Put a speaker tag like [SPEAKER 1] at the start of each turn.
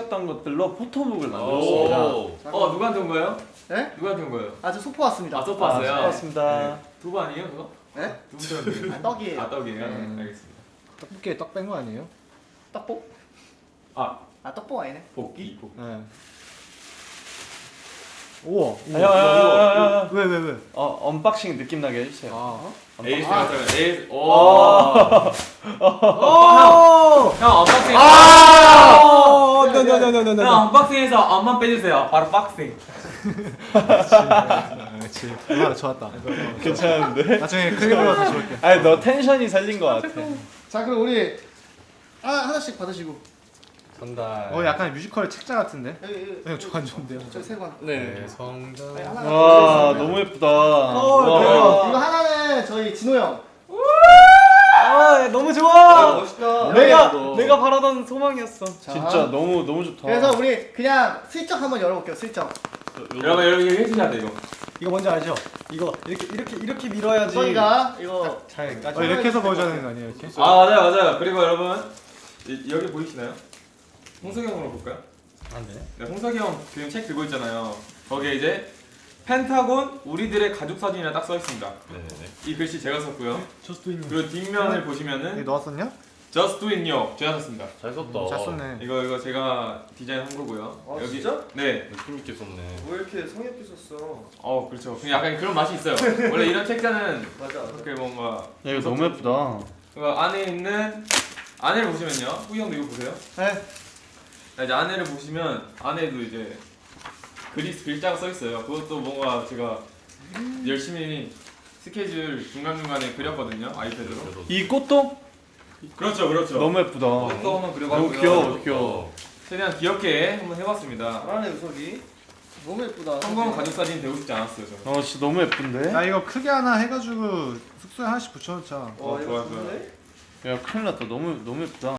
[SPEAKER 1] 찍었던 것들로 포토북을 만들었습니다.
[SPEAKER 2] 누구한테 온 거예요?
[SPEAKER 3] 네?
[SPEAKER 2] 누구한테 온 거예요?
[SPEAKER 3] 저 소포 왔습니다.
[SPEAKER 2] 소파 왔어요?
[SPEAKER 1] 왔습니다.
[SPEAKER 2] 네. 두부 아니에요 그거?
[SPEAKER 3] 네?
[SPEAKER 2] 두부처럼
[SPEAKER 3] 떡이에요.
[SPEAKER 2] 떡이에요?
[SPEAKER 3] 네.
[SPEAKER 2] 알겠습니다.
[SPEAKER 4] 떡볶이에 떡 뺀 거 아니에요?
[SPEAKER 3] 떡볶? 떡볶 아니네.
[SPEAKER 2] 볶이?
[SPEAKER 4] 네. 우와.
[SPEAKER 1] 야,
[SPEAKER 4] 왜?
[SPEAKER 1] 언박싱 느낌 나게 해주세요.
[SPEAKER 2] 에이스 같아요. 에이스. 형 언박싱. 형 언박싱해서 엄만 빼주세요. 바로 박싱.
[SPEAKER 4] 그렇지. 얼마나 좋았다.
[SPEAKER 1] 괜찮은데?
[SPEAKER 4] 나중에 크게 불러서 좋을게.
[SPEAKER 1] 아니 너 텐션이 살린 것 같아.
[SPEAKER 3] 자 그럼 우리 하나씩 받으시고.
[SPEAKER 5] 전달.
[SPEAKER 4] 약간 뮤지컬 책자 같은데?
[SPEAKER 3] 여기
[SPEAKER 4] 형 저안 좋은데요?
[SPEAKER 3] 저 세 권.
[SPEAKER 5] 네. 성당.
[SPEAKER 3] 하나.
[SPEAKER 1] 와 너무 예쁘다.
[SPEAKER 3] 이거 하나는 저희 진호 형.
[SPEAKER 1] 너무 좋아.
[SPEAKER 3] 멋있다.
[SPEAKER 1] 내가 바라던 소망이었어.
[SPEAKER 3] 자.
[SPEAKER 1] 진짜 너무 좋다.
[SPEAKER 3] 그래서 우리 그냥 슬쩍 한번 열어볼게요. 슬쩍.
[SPEAKER 2] 여러분 이거 해주셔야 돼 이거.
[SPEAKER 4] 이거 뭔지 알죠? 이거 이렇게 밀어야지.
[SPEAKER 3] 저희가 이거
[SPEAKER 4] 잘 까지. 이렇게 해서 보여줘야 되는 거 아니에요? 이렇게?
[SPEAKER 2] 맞아요. 그리고 여러분 여기 보이시나요? 홍석이 형으로 볼까요?
[SPEAKER 5] 안 돼.
[SPEAKER 2] 네, 홍석이 형 지금 책 들고 있잖아요. 거기에 이제 펜타곤 우리들의 가족 사진이라 딱 써 있습니다.
[SPEAKER 5] 네네네.
[SPEAKER 2] 이 글씨 제가 썼고요.
[SPEAKER 4] 저스트 인.
[SPEAKER 2] 그리고 뒷면을
[SPEAKER 4] 이거
[SPEAKER 2] 보시면은
[SPEAKER 4] 넣었었냐?
[SPEAKER 2] Just Do It Yo 제가 썼습니다.
[SPEAKER 5] 잘 썼다.
[SPEAKER 4] 잘 썼네.
[SPEAKER 2] 이거 제가 디자인한 거고요.
[SPEAKER 3] 아, 진짜?
[SPEAKER 2] 네.
[SPEAKER 5] 느낌 있게 썼네.
[SPEAKER 3] 왜 이렇게 성의 없게 썼어?
[SPEAKER 2] 그렇죠. 그냥 약간 그런 맛이 있어요. 원래 이런 책자는
[SPEAKER 3] 맞아.
[SPEAKER 2] 그렇게 뭔가
[SPEAKER 1] 야, 이거 너무 예쁘다.
[SPEAKER 2] 그 안에 있는 안에를 보시면요. 후기 형도 이거 보세요.
[SPEAKER 3] 네.
[SPEAKER 2] 자, 이제 안에를 보시면 안에도 이제 글자가 써 있어요. 그것도 뭔가 제가 열심히 스케줄 중간중간에 그렸거든요. 아이패드로.
[SPEAKER 1] 이 꽃도
[SPEAKER 2] 그렇죠.
[SPEAKER 1] 너무 예쁘다.
[SPEAKER 2] 또 한번
[SPEAKER 1] 너무
[SPEAKER 2] 그려봤고요.
[SPEAKER 1] 귀여워.
[SPEAKER 2] 최대한 귀엽게 한번 해봤습니다.
[SPEAKER 3] 잘하네 우석이. 너무 예쁘다.
[SPEAKER 2] 성공 가족 사진 되고 싶지 않았어요. 저는.
[SPEAKER 1] 진짜 너무 예쁜데?
[SPEAKER 4] 나 이거 크게 하나 해가지고 숙소에 하나씩 붙여놓자.
[SPEAKER 2] 좋아요.
[SPEAKER 1] 야 큰일 났다. 너무 예쁘다.